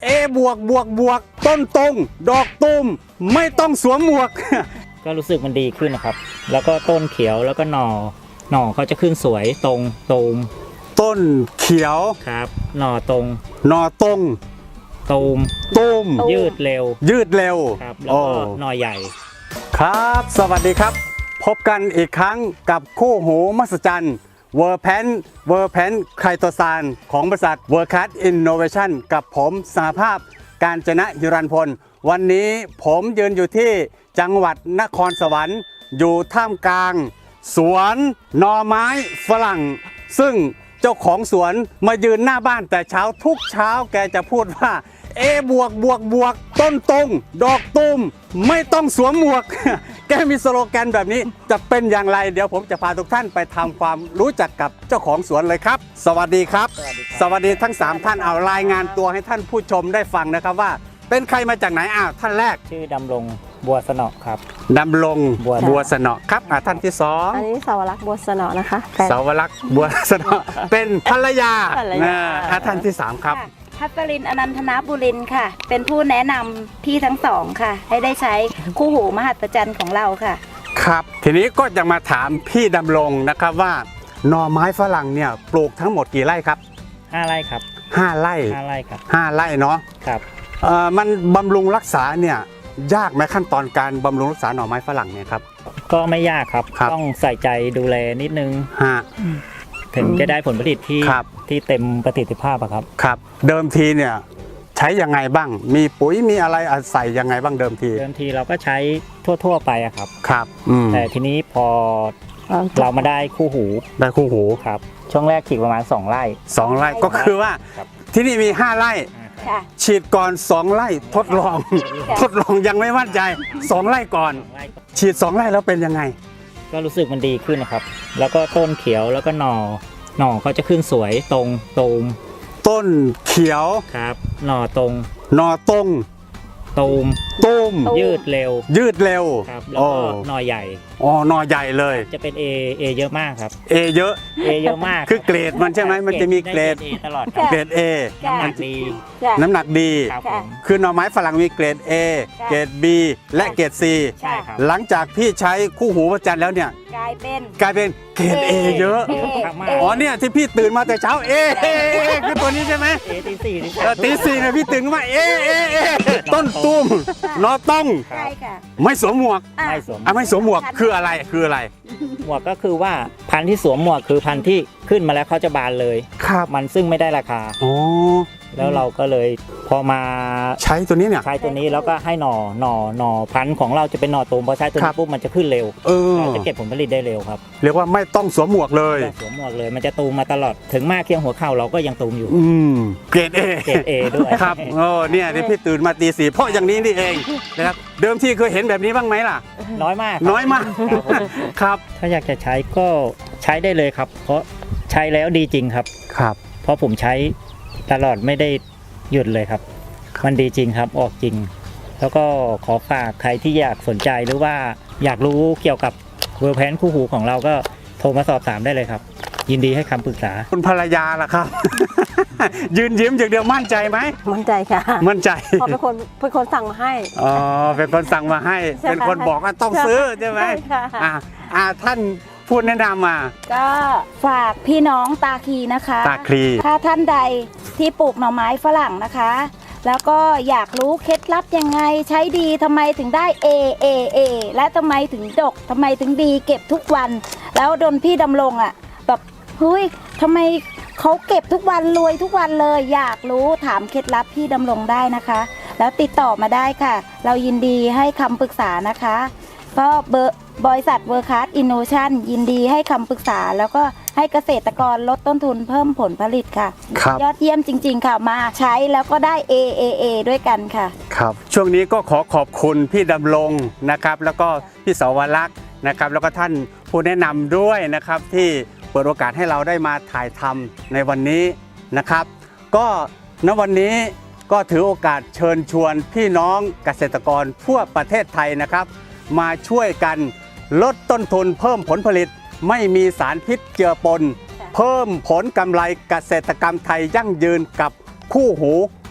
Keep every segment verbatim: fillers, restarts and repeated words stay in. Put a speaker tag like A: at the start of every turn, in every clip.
A: บวกบวกบวกต้นตรงดอกตูมไม่ต้องสวมหมวก
B: ก็รู้สึกมันดีขึ้นนะครับแล้วก็ต้นเขียวแล้วก็หน่อหน่อเขาจะขึ้นสวยตรงตูม
A: ต้นเขียว
B: ครับหน่อตรง
A: หน่อตรง
B: ตูม
A: ตูม
B: ยืดเร็ว
A: ยืดเร็ว
B: ครับแล้วก็หน่อใหญ่
A: ครับสวัสดีครับพบกันอีกครั้งกับคู่หูมหัศจรรย์เวอร์แพนเวอร์แพนไคโตซานของบริษัทเวอร์คัสอินโนเวชั่นกับผมสหภาพการจนะฮิรันพลวันนี้ผมยืนอยู่ที่จังหวัดนครสวรรค์อยู่ท่ามกลางสวนหน่อไม้ฝรั่งซึ่งเจ้าของสวนมายืนหน้าบ้านแต่เช้าทุกเช้าแกจะพูดว่าเอบวกบวกบวกต้นตรงดอกตูมไม่ต้องสวมหมวก แกมีสโลแกนแบบนี้จะเป็นอย่างไรเดี๋ยวผมจะพาทุกท่านไปทำความรู้จักกับเจ้าของสวนเลยครับสวัสดีครับสวัสดีทั้งสามท่านเอารายงานตัวให้ท่านผู้ชมได้ฟังนะครับว่าเป็นใครมาจากไหนอ้าวท่านแรก
B: ชื่อดำรงบัวสนอครับ
A: ดำรงบัวสนอครับอ่าท่านที่สอง
C: อันนี้สาวรักษ์บัวสนอนะคะ
A: สาวรักษ์บัวสนอเป็นภรรยาอ่าท่านที่สามครับ
D: พัชรินอนันทนาบุรินค่ะเป็นผู้แนะนำพี่ทั้งสองค่ะให้ได้ใช้คู่หูมหัศจรรย์ของเราค่ะ
A: ครับทีนี้ก็จะมาถามพี่ดำรงนะครับว่าหน่อไม้ฝรั่งเนี่ยปลูกทั้งหมดกี่ไร่ครับ
B: ห้าไร่ครับ
A: ห้าไร่
B: ห้าไร่ครับ
A: ห้าไร่เนาะ
B: ครับ
A: เอ่อมันบำรุงรักษาเนี่ยยากไหมขั้นตอนการบำรุงรักษาหน่อไม้ฝรั่งเนี่ยครับ
B: ก็ไม่ยากครับต้องใส่ใจดูแลนิดนึง
A: ฮะ
B: ถึงจะได้ผลผลิตที่ที่เต็มประสิทธิภาพครับ
A: ครับเดิมทีเนี่ยใช้ยังไงบ้างมีปุ๋ยมีอะไรใส่ยังไงบ้างเดิมที
B: เดิมทีเราก็ใช้ทั่วๆไปอะครับ
A: ครับ
B: แต่ทีนี้พอเรามาได้คู่หู
A: ได้คู่หู
B: ครับช่วงแรกฉีดประมาณสองไร่
A: สองไร่ก็คือว่าที่นี่มีห้าไร่ฉีดก่อนสองไร่ทดลองทดลองยังไม่มั่นใจสองไร่ก่อนฉีดสองไร่แล้วเป็นยังไง
B: ก็รู้สึกมันดีขึ้นนะครับแล้วก็ต้นเขียวแล้วก็หน่อหน่อเขาจะขึ้นสวยตรงตูม
A: ต้นเขียว
B: ครับหน่อตรง
A: หน่อตรง
B: ตูม
A: ตูม
B: ยืดเร็ว
A: ยืดเร็ว
B: ครับแล้วก็หน่อใหญ่
A: อ๋อหน่อใหญ่เลย
B: จะเป็น A A เยอะมากครับ
A: A เยอะ
B: A เยอะมาก
A: คือเกรดมันใช่ไหมมันจะมีเกรด
B: ตลอด
A: เกรด A
B: น้ำหนักดี
A: น้ำหนักดีคือหน่อไม้ฝรั่งมีเกรด A เกรด B และเกรด C หลังจากพี่ใช้คู่หูพระจันทร์แล้วเนี่ย
D: กลายเป็น
A: กลายเป็นเกรด A เยอะอ๋อเนี่ยที่พี่ตื่นมาแต่เช้า A คือตัวนี้ใช่ไหม
B: A ตีสี่
A: ตีสี่เนี่ยพี่ตื่นมา A A A ต้นตุ้มนอต้องไม่สวมหมวก
B: ไม่สวม
A: ไม่สวมหมวกคืออะไรคืออะไร
B: หมวกก็คือว่าพันธุ์ที่สวมหมวกคือพันธุ์ที่ขึ้นมาแล้วเขาจะบานเลย
A: ครับ
B: มันซึ่งไม่ได้ราคา
A: โอ้
B: แล้วเราก็เลยพอมา
A: ใช้ตัวนี้เนี่ย
B: ใช้ตัวนี้แล้วก็ให้หน่อหน่อหน่อพันธุ์ของเราจะเป็นหน่อตูมพอใช้ตัวนี้ปุ๊บมันจะขึ้นเร็ว
A: เออ
B: จะเก็บผลผลิตได้เร็วครับ
A: เรียกว่าไม่ต้องสวมหมวกเลย
B: สวมหมวกเลยมันจะตูมมาตลอดถึงมากเคียงหัวเข่าเราก็ยังตูมอยู่
A: อืมเกรด A
B: เกรด A ด้วย
A: ครับโอ้เนี่ยที่พี่ตื่นมาตีสี่เพราะอย่างนี้นี่เองนะครับเดิมทีเคยเห็นแบบนี้บ้างไหมล่ะ
B: น้อยมาก
A: น้อยมากครับ
B: ถ้าอยากจะใช้ก็ใช้ได้เลยครับเพราะใช้แล้วดีจริงครับ
A: ครับ
B: เพราะผมใช้ตลอดไม่ได้หยุดเลยครับมันดีจริงครับออกจริงแล้วก็ขอฝากใครที่อยากสนใจหรือว่าอยากรู้เกี่ยวกับเวอร์แพนคู่หูของเราก็โทรมาสอบถามได้เลยครับยินดีให้คำปรึกษา
A: คุณภรรยาล่ะครับ ยืนยิ้มอย่างเดียวมั่นใจไหม
C: มั่นใจค่ะ
A: มั่นใจ
C: พอเป็นคนเป็นคนสั่งมาให้
A: อ๋อเป็นคนสั่งมาให้เป็นคนบอกว่าต้องซื้อใช่ไหมอ่าอ่าท่านพูดแนะนำมา
D: ก็ฝากพี่น้องตาคีนะคะ
A: ตาคี
D: ถ้าท่านใดที่ปลูกหน่อไม้ฝรั่งนะคะแล้วก็อยากรู้เคล็ดลับยังไงใช้ดีทำไมถึงได้ A A A และทำไมถึงดกทำไมถึงดีเก็บทุกวันแล้วโดนพี่ดำรงอ่ะแบบเฮ้ยทำไมเขาเก็บทุกวันรวยทุกวันเลยอยากรู้ถามเคล็ดลับพี่ดำรงได้นะคะแล้วติดต่อมาได้ค่ะเรายินดีให้คำปรึกษานะคะก็เบอร์บริษัทเวอร์คัสอินโนเวชั่นยินดีให้คำปรึกษาแล้วก็ให้เกษตรกรลดต้นทุนเพิ่มผลผลิตค่ะยอดเยี่ยมจริงๆค่ะมาใช้แล้วก็ได้ A A A ด้วยกันค่ะ
A: ครับช่วงนี้ก็ขอขอบคุณพี่ดำรงนะครับแล้วก็พี่สาวรักษ์นะครับแล้วก็ท่านผู้แนะนำด้วยนะครับที่เปิดโอกาสให้เราได้มาถ่ายทำในวันนี้นะครับก็ณวันนี้ก็ถือโอกาสเชิญชวนพี่น้องเกษตรกรทั่วประเทศไทยนะครับมาช่วยกันลดต้นทุนเพิ่มผลผลิตไม่มีสารพิษเจือปนเพิ่มผลกำไรเกษตรกรรมไทยยั่งยืนกับคู่หู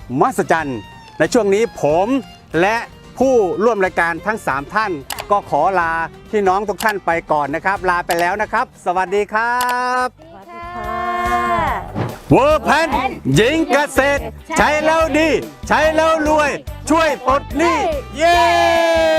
A: มหัศจรรย์ในช่วงนี้ผมและผู้ร่วมรายการทั้งสามท่าน ก็ขอลาพี่น้องทุกท่านไปก่อนนะครับ ลาไปแล้วนะครับ สวัสดีครับ เวอร์แพนหญิงเกษตร ใช้แล้วดี ใช้แล้วรวย ช่วยปลดหนี้เย้